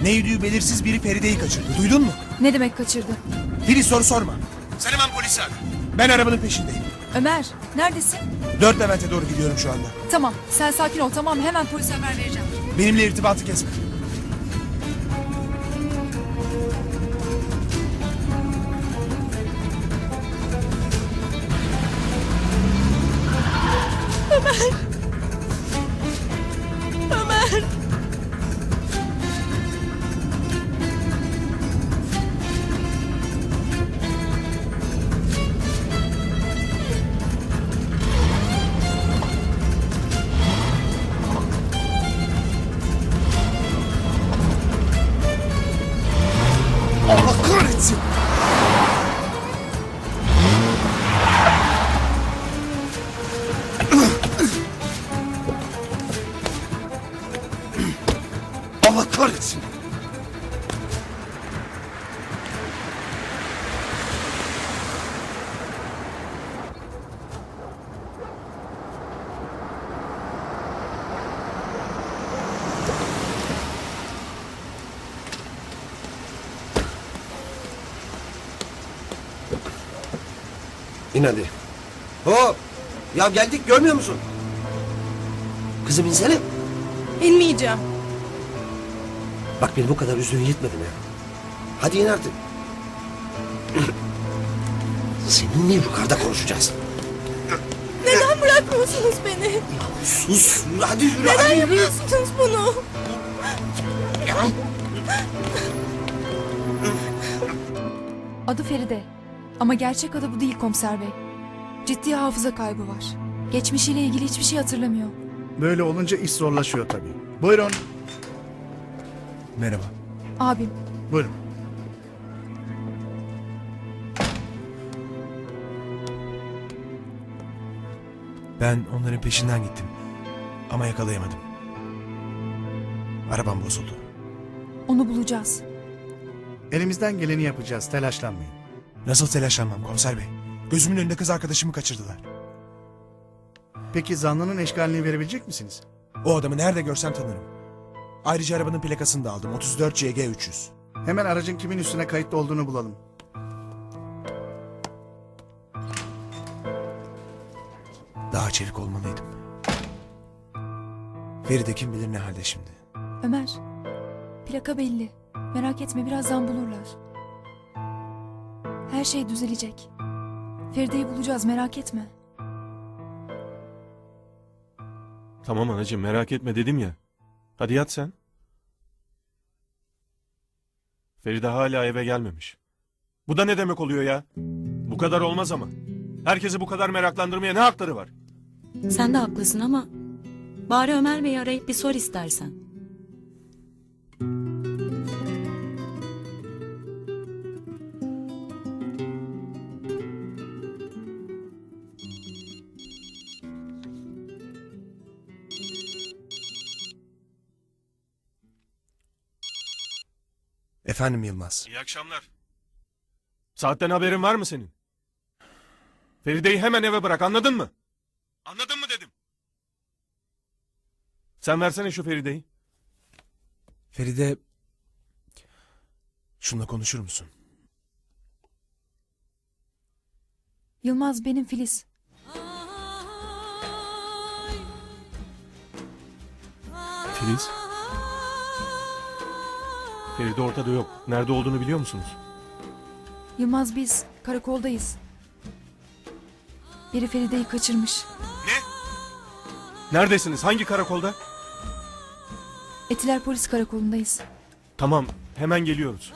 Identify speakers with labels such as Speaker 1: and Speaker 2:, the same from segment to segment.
Speaker 1: Neydi belirsiz biri Feride'yi kaçırdı. Duydun mu?
Speaker 2: Ne demek kaçırdı?
Speaker 1: Filiz soru sorma. Sen hemen polisi ara. Ben arabanın peşindeyim.
Speaker 2: Ömer, neredesin?
Speaker 1: 4 Levent'e doğru gidiyorum şu anda.
Speaker 2: Tamam, sen sakin ol, tamam, hemen polise haber vereceğim.
Speaker 1: Benimle irtibatı kesme.
Speaker 2: Ömer!
Speaker 1: Allah kahretsin! Allah kahretsin!
Speaker 3: İn hadi. Hop! Ya geldik görmüyor musun? Kızım insene.
Speaker 4: İnmeyeceğim.
Speaker 3: Bak beni bu kadar üzdüğün yetmedi mi? Hadi in artık. Seninle yukarıda konuşacağız.
Speaker 4: Neden bırakmıyorsunuz beni?
Speaker 3: Ya sus! Hadi yürü!
Speaker 4: Neden
Speaker 3: hadi yürü.
Speaker 4: yapıyorsunuz bunu?
Speaker 2: Adı Feride. Ama gerçek adı bu değil komiser bey. Ciddi hafıza kaybı var. Geçmişiyle ilgili hiçbir şey hatırlamıyor.
Speaker 5: Böyle olunca iş zorlaşıyor tabii. Buyurun.
Speaker 1: Merhaba.
Speaker 2: Abim,
Speaker 5: Buyurun.
Speaker 1: Ben onların peşinden gittim. Ama yakalayamadım. Arabam bozuldu.
Speaker 2: onu bulacağız.
Speaker 5: Elimizden geleni yapacağız. Telaşlanmayın.
Speaker 1: Nasıl telaşlanmam komiser bey? Gözümün önünde kız arkadaşımı kaçırdılar.
Speaker 5: Peki zanlının eşkalini verebilecek misiniz?
Speaker 1: O adamı nerede görsem tanırım. Ayrıca arabanın plakasını da aldım. 34 CG 300.
Speaker 5: Hemen aracın kimin üstüne kayıtlı olduğunu bulalım.
Speaker 1: Daha çevik olmalıydım. Feride kim bilir ne halde şimdi.
Speaker 2: Ömer, plaka belli. Merak etme, birazdan bulurlar. Her şey düzelecek. Feride'yi bulacağız, merak etme.
Speaker 6: Tamam anacığım merak etme dedim ya. Hadi yat sen. Feride hala eve gelmemiş. Bu da ne demek oluyor ya? Bu kadar olmaz ama. Herkesi bu kadar meraklandırmaya ne hakları var?
Speaker 7: Sen de haklısın ama bari Ömer Bey'i arayıp bir sor istersen.
Speaker 1: Efendim Yılmaz.
Speaker 6: İyi akşamlar. Saatten haberin var mı senin? Feride'yi hemen eve bırak, anladın mı? Anladın mı dedim. Sen versene şu Feride'yi.
Speaker 1: Feride... Şununla konuşur musun?
Speaker 2: Yılmaz, benim Filiz.
Speaker 6: Filiz. Feride ortada yok. Nerede olduğunu biliyor musunuz?
Speaker 2: Yılmaz, biz karakoldayız. Biri Feride'yi kaçırmış.
Speaker 6: Neredesiniz? Hangi karakolda?
Speaker 2: Etiler Polis Karakolu'ndayız.
Speaker 6: Tamam, hemen geliyoruz.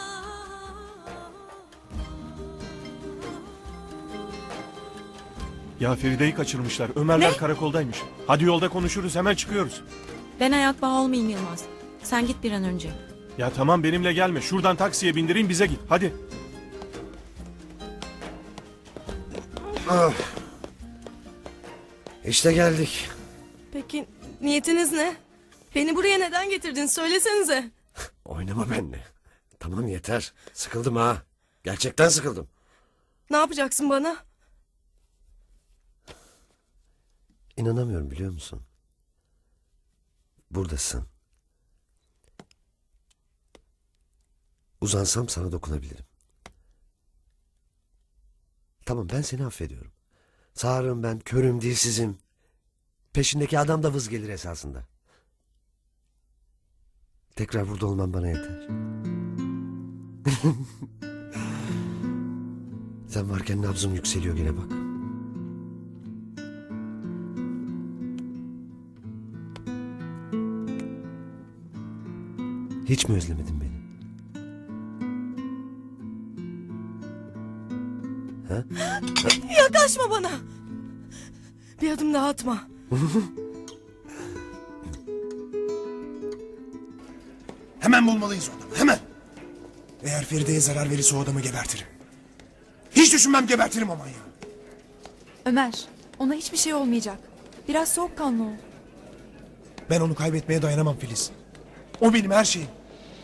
Speaker 6: Ya Feride'yi kaçırmışlar. Ömerler karakoldaymış. Hadi yolda konuşuruz, hemen çıkıyoruz.
Speaker 7: Ben ayak bağı olmayayım Yılmaz. Sen git bir an önce.
Speaker 6: Ya tamam benimle gelme. Şuradan taksiye bindireyim bize git. Hadi.
Speaker 3: Ah. İşte geldik.
Speaker 4: Peki niyetiniz ne? Beni buraya neden getirdin söylesenize.
Speaker 3: Oynama benimle. Tamam yeter. Sıkıldım ha. Gerçekten sıkıldım.
Speaker 4: Ne yapacaksın bana?
Speaker 3: İnanamıyorum biliyor musun? Buradasın. Uzansam sana dokunabilirim. Tamam, ben seni affediyorum. Sağırım ben, körüm, dilsizim. Peşindeki adam da vız gelir esasında. Tekrar burada olman bana yeter. Sen varken nabzım yükseliyor gene bak. Hiç mi özlemedin beni? Ha?
Speaker 4: Yaklaşma bana. Bir adım daha atma.
Speaker 1: Hemen bulmalıyız o adamı, hemen. Eğer Feride'ye zarar verirse o adamı gebertirim. Hiç düşünmem, gebertirim o manyağı.
Speaker 2: Ömer, ona hiçbir şey olmayacak. Biraz soğukkanlı ol.
Speaker 1: Ben onu kaybetmeye dayanamam Filiz. O benim her şeyim.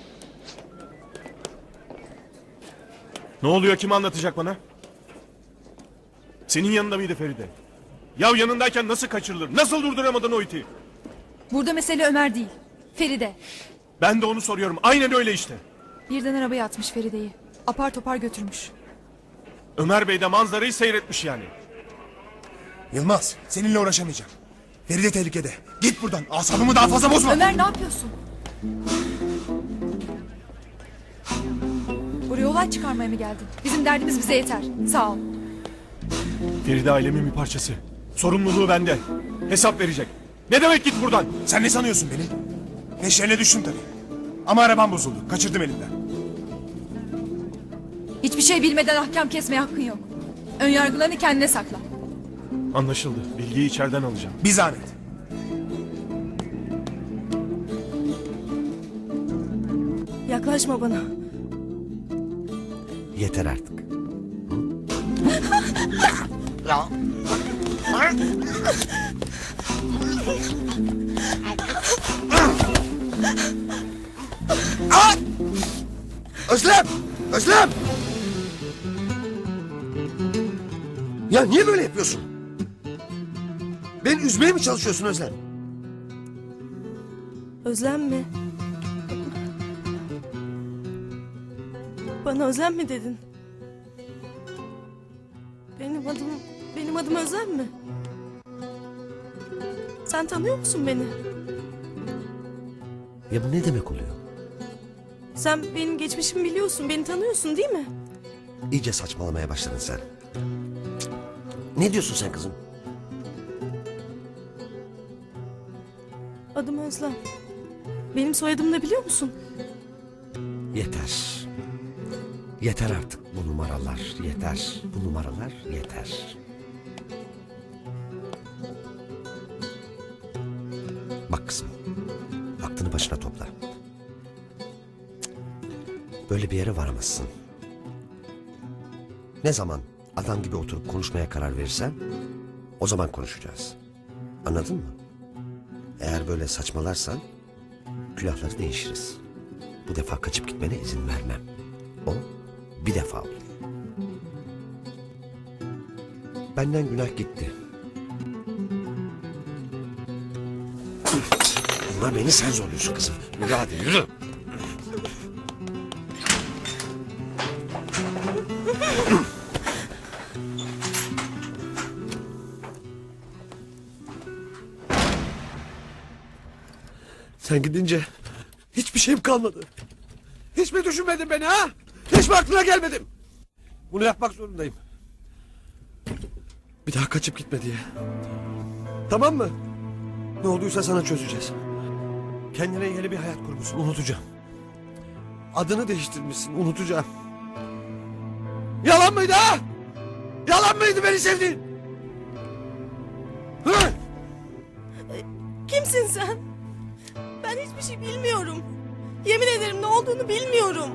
Speaker 6: Ne oluyor, kim anlatacak bana? Senin yanında mıydı Feride? Ya yanındayken nasıl kaçırılır? Nasıl durduramadın o iti?
Speaker 2: Burada mesele Ömer değil, Feride.
Speaker 6: Ben de onu soruyorum. Aynen öyle işte.
Speaker 2: Birden arabaya atmış Feride'yi. Apar topar götürmüş.
Speaker 6: Ömer Bey de manzarayı seyretmiş yani.
Speaker 1: Yılmaz, seninle uğraşamayacağım. Feride tehlikede. Git buradan, asabımı daha fazla bozma.
Speaker 2: Ömer ne yapıyorsun? Buraya olay çıkarmaya mı geldin? Bizim derdimiz bize yeter. Sağ ol.
Speaker 6: Feride ailemin bir parçası. Sorumluluğu bende. Hesap verecek. Ne demek git buradan?
Speaker 1: Sen ne sanıyorsun beni? Peşlerine düştüm tabii. Ama arabam bozuldu, kaçırdım elimden.
Speaker 2: Hiçbir şey bilmeden ahkam kesmeye hakkın yok. Önyargılarını kendine sakla.
Speaker 6: Anlaşıldı. Bilgiyi içeriden alacağım.
Speaker 1: Bir zahmet.
Speaker 4: Yaklaşma bana.
Speaker 3: Yeter artık. Özlem! Özlem! Ya niye böyle yapıyorsun? Beni üzmeye mi çalışıyorsun Özlem?
Speaker 4: Özlem mi? Bana Özlem mi dedin? Benim adım Özlem mi? Sen tanıyor musun beni?
Speaker 3: Ya bu ne demek oluyor?
Speaker 4: Sen benim geçmişimi biliyorsun, beni tanıyorsun değil mi?
Speaker 3: İyice saçmalamaya başladın sen. Ne diyorsun sen kızım?
Speaker 4: Adım Özlem. Benim soyadımı da biliyor musun?
Speaker 3: Yeter. Yeter artık bu numaralar. Yeter. Bu numaralar yeter. Bak kızım. Aklını başına topla. Böyle bir yere varamazsın. Ne zaman adam gibi oturup konuşmaya karar verirsen o zaman konuşacağız. Anladın mı? Eğer böyle saçmalarsan külahları değişiriz. Bu defa kaçıp gitmene izin vermem. O bir defa olur. Benden günah gitti. Buna beni sen zorluyorsun kızım. Yürü hadi yürü. Sen gidince hiçbir şeyim kalmadı. Hiç mi düşünmedin beni ha? Hiç mi aklına gelmedim? Bunu yapmak zorundayım. Bir daha kaçıp gitme diye. Tamam mı? Ne olduysa sana çözeceğiz. Kendine yeni bir hayat kurmuşsun, unutacağım. Adını değiştirmişsin, unutacağım. Yalan mıydı ha? Yalan mıydı beni sevdiğin? Hı?
Speaker 4: Kimsin sen? Ben hiçbir şey bilmiyorum. Yemin ederim ne olduğunu bilmiyorum.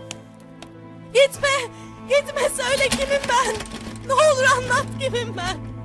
Speaker 4: Gitme! Gitme, söyle kimim ben? Ne olur anlat kimim ben?